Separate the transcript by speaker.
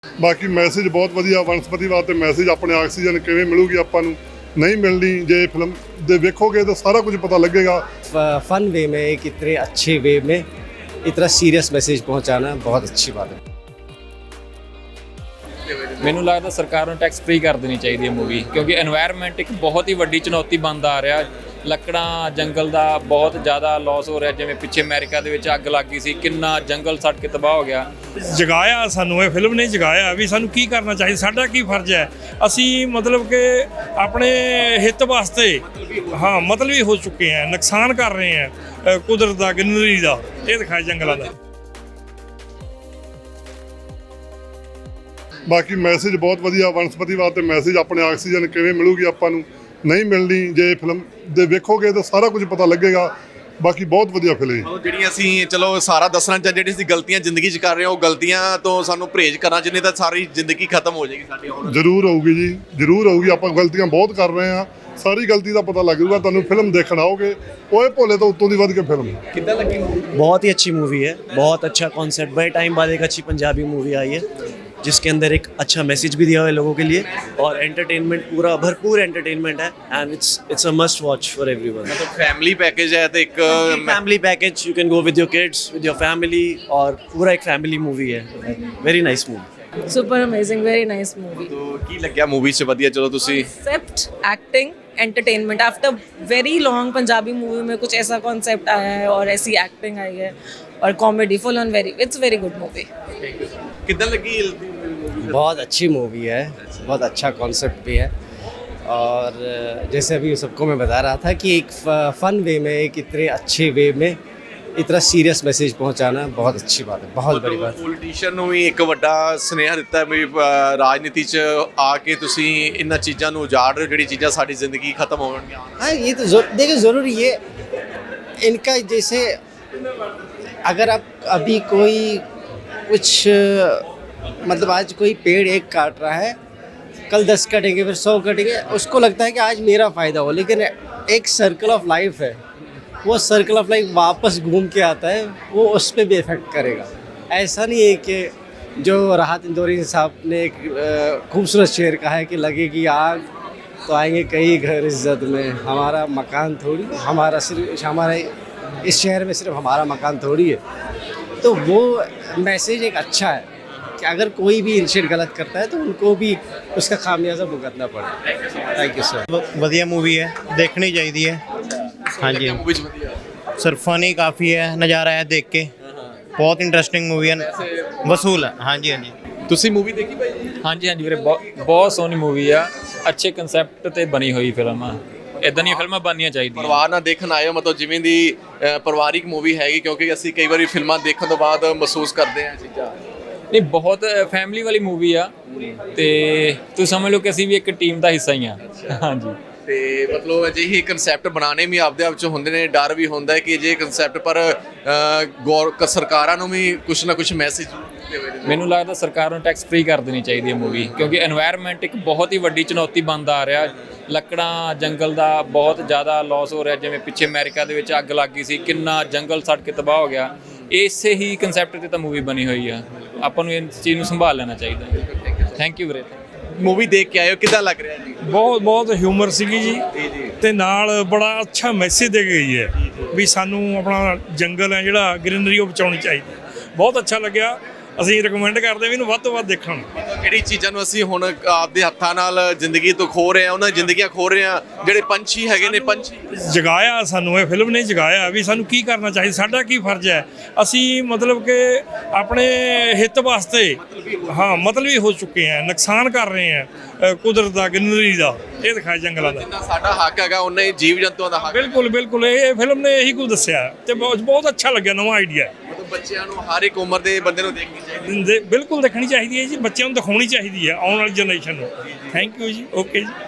Speaker 1: ਬਾਕੀ ਮੈਸੇਜ ਬਹੁਤ ਵਧੀਆ ਵਨਸਪਤੀਵਾਦ ਤੇ ਮੈਸੇਜ ਆਪਣੇ ਆਕਸੀਜਨ ਕਿਵੇਂ ਮਿਲੂਗੀ ਆਪਾਂ ਨੂੰ नहीं मिलनी जे फिल्म दे देखोगे तो सारा कुछ पता लगेगा।
Speaker 2: फन वे में एक इतने अच्छे वे में इतना सीरियस मैसेज पहुंचाना बहुत अच्छी बात है।
Speaker 3: ਮੈਨੂੰ ਲੱਗਦਾ ਸਰਕਾਰ ਨੂੰ ਟੈਕਸ ਫ੍ਰੀ ਕਰ ਦੇਣੀ ਚਾਹੀਦੀ ਹੈ ਮੂਵੀ, ਕਿਉਂਕਿ এনवायरमेंट ਇੱਕ ਬਹੁਤ ਹੀ ਵੱਡੀ ਚੁਣੌਤੀ ਬਣਦਾ ਆ ਰਿਹਾ। ਲੱਕੜਾਂ ਜੰਗਲ ਦਾ ਬਹੁਤ ਜ਼ਿਆਦਾ ਲਾਸ ਹੋ ਰਿਹਾ, ਜਿਵੇਂ ਪਿੱਛੇ ਅਮਰੀਕਾ ਦੇ ਵਿੱਚ ਅੱਗ ਲੱਗ ਗਈ ਸੀ, ਕਿੰਨਾ ਜੰਗਲ ਸੜ ਕੇ ਤਬਾਹ ਹੋ ਗਿਆ।
Speaker 4: ਜਗਾਇਆ ਸਾਨੂੰ ਇਹ ਫਿਲਮ ਨੇ ਜਗਾਇਆ ਵੀ ਸਾਨੂੰ ਕੀ ਕਰਨਾ ਚਾਹੀਦਾ, ਸਾਡਾ ਕੀ ਫਰਜ਼ ਹੈ। ਅਸੀਂ ਮਤਲਬ ਕਿ ਆਪਣੇ ਹਿੱਤ ਵਾਸਤੇ ਮਤਲਬੀ ਹੋ ਚੁੱਕੇ ਹਾਂ, ਨੁਕਸਾਨ ਕਰ ਰਹੇ ਹਾਂ ਕੁਦਰਤ ਦਾ, ਗ੍ਰੀਨਰੀ ਦਾ। ਇਹ ਦਿਖਾਇਆ ਜੰਗਲਾਂ ਦਾ।
Speaker 1: ਬਾਕੀ ਮੈਸੇਜ ਬਹੁਤ ਵਧੀਆ ਵਨਸਪਤੀਵਾਦ ਤੇ ਮੈਸੇਜ ਆਪਣੇ ਆਕਸੀਜਨ ਕਿਵੇਂ ਮਿਲੂਗੀ ਆਪਾਂ ਨੂੰ ਨਹੀਂ ਮਿਲਣੀ ਜੇ ਫਿਲਮ ਦੇ ਵੇਖੋਗੇ ਤਾਂ ਸਾਰਾ ਕੁਝ ਪਤਾ ਲੱਗੇਗਾ। ਬਾਕੀ ਬਹੁਤ ਵਧੀਆ ਫਿਲਮ ਹੈ।
Speaker 5: ਜਿਹੜੀਆਂ ਅਸੀਂ ਚਲੋ ਸਾਰਾ ਦੱਸਣਾ ਚਾਹ ਜਿਹੜੀ ਅਸੀਂ ਗਲਤੀਆਂ ਜ਼ਿੰਦਗੀ 'ਚ ਕਰ ਰਹੇ ਹਾਂ, ਉਹ ਗਲਤੀਆਂ ਤੋਂ ਸਾਨੂੰ ਪਰਹੇਜ਼ ਕਰਨਾ ਚਾਹੀਦਾ, ਤਾਂ ਸਾਰੀ ਜ਼ਿੰਦਗੀ ਖਤਮ ਹੋ ਜਾਏਗੀ ਸਾਡੀ। ਹੁਣ
Speaker 1: ਜ਼ਰੂਰ ਆਊਗੀ ਜੀ, ਜ਼ਰੂਰ ਆਊਗੀ। ਆਪਾਂ ਗਲਤੀਆਂ ਬਹੁਤ ਕਰ ਰਹੇ ਹਾਂ, ਸਾਰੀ ਗਲਤੀ ਦਾ ਪਤਾ ਲੱਗ ਜਾਊਗਾ ਤੁਹਾਨੂੰ ਫਿਲਮ ਦੇਖਣ ਆਓਗੇ। ਓਏ ਭੋਲੇ ਤੋਂ ਉੱਤੋਂ ਦੀ ਵੱਧ ਕੇ ਫਿਲਮ
Speaker 5: ਕਿੱਦਾਂ ਲੱਗੀ ਮੂਵੀ?
Speaker 2: बहुत ही अच्छी मूवी है, बहुत अच्छा कॉन्सेप्ट। बड़े टाइम बाद एक अच्छी पंजाबी मूवी आई है जिसके अंदर एक अच्छा मैसेज भी दिया हुआ है लोगों के लिए, और एंटरटेनमेंट पूरा भरपूर एंटरटेनमेंट है, and it's a must watch for everyone.
Speaker 5: मतलब फैमिली पैकेज है तो एक
Speaker 2: family package, you can go with your kids, with your family, और पूरा एक फैमिली मूवी है। Very nice movie,
Speaker 6: super amazing, very nice movie.
Speaker 5: तो की लग्या मूवी से ਵਧੀਆ? चलो ਤੁਸੀਂ
Speaker 6: concept, acting, entertainment. After very long Punjabi movie में कुछ ऐसा कॉन्सेप्ट आया है और ऐसी एक्टिंग आई है और comedy full on. It's very good movie.
Speaker 5: ਕਿੱਦਾਂ ਲੱਗੀ?
Speaker 2: बहुत अच्छी मूवी है, बहुत अच्छा कॉन्सेप्ट भी है, और जैसे अभी सबको मैं बता रहा था कि एक फ़न वे में एक इतने अच्छे वे में इतना सीरियस मैसेज पहुंचाना बहुत अच्छी बात है, बहुत बड़ी बात है।
Speaker 5: ਪੋਲੀਟੀਸ਼ੀਅਨ ਨੂੰ ਵੀ ਇੱਕ ਵੱਡਾ ਸੁਨੇਹਾ ਦਿੱਤਾ ਵੀ ਰਾਜਨੀਤੀ 'ਚ ਆ ਕੇ ਤੁਸੀਂ ਇਹਨਾਂ ਚੀਜ਼ਾਂ ਨੂੰ ਉਜਾੜ ਰਹੇ ਹੋ, ਜਿਹੜੀ ਚੀਜ਼ਾਂ ਸਾਡੀ ਜ਼ਿੰਦਗੀ ਖਤਮ ਹੋਣਗੀਆਂ।
Speaker 2: हाँ, ये तो देखिए ज़रूरी ये इनका, जैसे अगर आप अभी कोई कुछ मतलब आज कोई पेड़ एक काट रहा है, कल 10 कटेंगे, फिर 100 कटेंगे, उसको लगता है कि आज मेरा फ़ायदा हो, लेकिन एक सर्कल ऑफ लाइफ है, वो सर्कल ऑफ लाइफ वापस घूम के आता है, वो उस पर भी इफ़ेक्ट करेगा। ऐसा नहीं है कि जो राहत इंदौरी साहब ने एक खूबसूरत शेर कहा है कि लगेगी आग तो आएंगे कई घर इज्जत में, हमारा मकान थोड़ी, हमारा इस शहर में सिर्फ हमारा मकान थोड़ी है। तो वो मैसेज एक अच्छा है कि अगर कोई भी इनिशिएट गलत करता है तो उनको भी उसका खामियाजा भुगतना पड़े। Thank you sir.
Speaker 7: ਵਧੀਆ मूवी है, देखनी चाहिए है। हाँ जी
Speaker 5: मूवी 'ਚ ਵਧੀਆ
Speaker 7: सर, फनी काफ़ी है, नज़ारा है देख के, बहुत इंटरेस्टिंग मूवी है, वसूल है। हाँ जी हाँ जी।
Speaker 5: ਤੁਸੀਂ मूवी देखी भाई?
Speaker 3: ਹਾਂਜੀ ਹਾਂਜੀ ਵੀਰੇ, ਬਹੁਤ ਸੋਹਣੀ ਮੂਵੀ ਆ, ਅੱਛੇ ਕਨਸੈਪਟ ਤੇ ਬਣੀ ਹੋਈ ਫਿਲਮ ਆ। ਇਦਾਂ ਦੀਆਂ ਫਿਲਮਾਂ ਬਣਨੀਆਂ ਚਾਹੀਦੀਆਂ।
Speaker 5: ਪਰਿਵਾਰ ਨਾਲ ਦੇਖਣ ਆਏ ਹੋ, ਮਤਲਬ ਜਿਵੇਂ ਦੀ ਪਰਿਵਾਰਿਕ ਮੂਵੀ ਹੈਗੀ, ਕਿਉਂਕਿ ਅਸੀਂ ਕਈ ਵਾਰੀ ਫਿਲਮਾਂ ਦੇਖਣ ਤੋਂ ਬਾਅਦ ਮਹਿਸੂਸ ਕਰਦੇ ਹਾਂ ਚੀਜ਼ਾਂ।
Speaker 3: ਨਹੀਂ, ਬਹੁਤ ਫੈਮਿਲੀ ਵਾਲੀ ਮੂਵੀ ਆ, ਤੇ ਤੁਸੀਂ ਸਮਝ ਲਓ ਕਿ ਅਸੀਂ ਵੀ ਇੱਕ ਟੀਮ ਦਾ ਹਿੱਸਾ ਹੀ ਆ। ਹਾਂਜੀ,
Speaker 5: ਤੇ ਮਤਲਬ ਅਜਿਹੇ ਕਨਸੈਪਟ ਬਣਾਉਣੇ ਵੀ ਆਪਦੇ ਆਪ 'ਚ ਹੁੰਦੇ ਨੇ, ਡਰ ਵੀ ਹੁੰਦਾ ਹੈ ਕਿ ਅਜਿਹੇ ਕਨਸੈਪਟ ਪਰ ਸਰਕਾਰਾਂ ਨੂੰ ਵੀ ਕੁਛ ਨਾ ਕੁਛ ਮੈਸੇਜ
Speaker 3: ਮੈਨੂੰ ਲੱਗਦਾ ਸਰਕਾਰ ਨੂੰ ਟੈਕਸ ਫ੍ਰੀ ਕਰ ਦੇਣੀ ਚਾਹੀਦੀ ਹੈ ਮੂਵੀ, ਕਿਉਂਕਿ এনवायरमेंट ਇੱਕ ਬਹੁਤ ਹੀ ਵੱਡੀ ਚੁਣੌਤੀ ਬਣਦਾ ਆ ਰਿਹਾ। ਲੱਕੜਾਂ ਜੰਗਲ ਦਾ ਬਹੁਤ ਜ਼ਿਆਦਾ ਲਾਸ ਹੋ ਰਿਹਾ, ਜਿਵੇਂ ਪਿੱਛੇ ਅਮਰੀਕਾ ਦੇ ਵਿੱਚ ਅੱਗ ਲੱਗ ਗਈ ਸੀ, ਕਿੰਨਾ ਜੰਗਲ ਸੜ ਕੇ ਤਬਾਹ ਹੋ ਗਿਆ। ਇਸੇ ਹੀ ਕਨਸੈਪਟ ਤੇ ਤਾਂ ਮੂਵੀ ਬਣੀ ਹੋਈ ਆ, ਆਪਾਂ ਨੂੰ ਇਸ ਚੀਜ਼ ਨੂੰ ਸੰਭਾਲ ਲੈਣਾ ਚਾਹੀਦਾ। ਥੈਂਕ ਯੂ ਵੀਰੇ।
Speaker 5: ਮੂਵੀ ਦੇਖ ਕੇ ਆਏ ਹੋ, ਕਿੱਦਾਂ ਲੱਗ ਰਿਹਾ ਜੀ?
Speaker 4: ਬਹੁਤ ਹਿਊਮਰ ਸੀਗੀ ਜੀ, ਤੇ ਨਾਲ ਬੜਾ ਅੱਛਾ ਮੈਸੇਜ ਦੇ ਗਈ ਹੈ ਵੀ ਸਾਨੂੰ ਆਪਣਾ ਜੰਗਲ ਹੈ ਜਿਹੜਾ, ਗ੍ਰੀਨਰੀ, ਉਹ ਬਚਾਉਣੀ ਚਾਹੀਦੀ। ਬਹੁਤ ਅੱਛਾ ਲੱਗਿਆ। ਅਸੀਂ ਰਿਕਮੈਂਡ ਕਰਦੇ ਵੀ ਇਹਨੂੰ ਵੱਧ ਤੋਂ ਵੱਧ ਦੇਖਣ।
Speaker 5: ਜਿਹੜੀ ਚੀਜ਼ਾਂ ਨੂੰ ਅਸੀਂ ਹੁਣ ਆਪਦੇ ਹੱਥਾਂ ਨਾਲ ਜ਼ਿੰਦਗੀ ਤੋਂ ਖੋ ਰਹੇ ਹਾਂ, ਉਹਨਾਂ ਜ਼ਿੰਦਗੀਆਂ ਖੋ ਰਹੇ ਹਾਂ। ਜਿਹੜੇ ਪੰਛੀ ਹੈਗੇ ਨੇ, ਪੰਛੀ
Speaker 4: ਜਗਾਇਆ ਸਾਨੂੰ ਇਹ ਫਿਲਮ ਨੇ ਜਗਾਇਆ ਵੀ ਸਾਨੂੰ ਕੀ ਕਰਨਾ ਚਾਹੀਦਾ, ਸਾਡਾ ਕੀ ਫਰਜ਼ ਹੈ। ਅਸੀਂ ਮਤਲਬ ਕਿ ਆਪਣੇ ਹਿੱਤ ਵਾਸਤੇ ਮਤਲਬੀ ਹੋ ਚੁੱਕੇ ਹਾਂ, ਨੁਕਸਾਨ ਕਰ ਰਹੇ ਹਾਂ ਕੁਦਰਤ ਦਾ, ਗ੍ਰੀਨਰੀ ਦਾ। ਇਹ ਦਿਖਾਇਆ ਜੰਗਲਾਂ ਦਾ।
Speaker 5: ਜਿੰਨਾ ਸਾਡਾ ਹੱਕ ਹੈਗਾ ਉਹਨਾਂ ਹੀ ਜੀਵ ਜੰਤੂਆਂ ਦਾ ਹੱਕ।
Speaker 4: ਬਿਲਕੁਲ ਬਿਲਕੁਲ, ਇਹ ਫਿਲਮ ਨੇ ਇਹੀ ਕੁਝ ਦੱਸਿਆ, ਤੇ ਬਹੁਤ ਅੱਛਾ ਲੱਗਿਆ, ਨਵਾਂ ਆਈਡੀਆ।
Speaker 5: ਮਤਲਬ ਬੱਚਿਆਂ ਨੂੰ, ਹਰ ਇੱਕ ਉਮਰ ਦੇ ਬੰਦੇ ਨੂੰ ਦੇਖਣੀ ਚਾਹੀਦੀ।
Speaker 4: ਬਿਲਕੁਲ ਦੇਖਣੀ ਚਾਹੀਦੀ ਹੈ ਜੀ, ਬੱਚਿਆਂ ਨੂੰ ਦਿਖਾਉਣੀ ਚਾਹੀਦੀ ਹੈ, ਆਉਣ ਵਾਲੀ ਜਨਰੇਸ਼ਨ ਨੂੰ। ਥੈਂਕ ਯੂ ਜੀ, ਓਕੇ ਜੀ।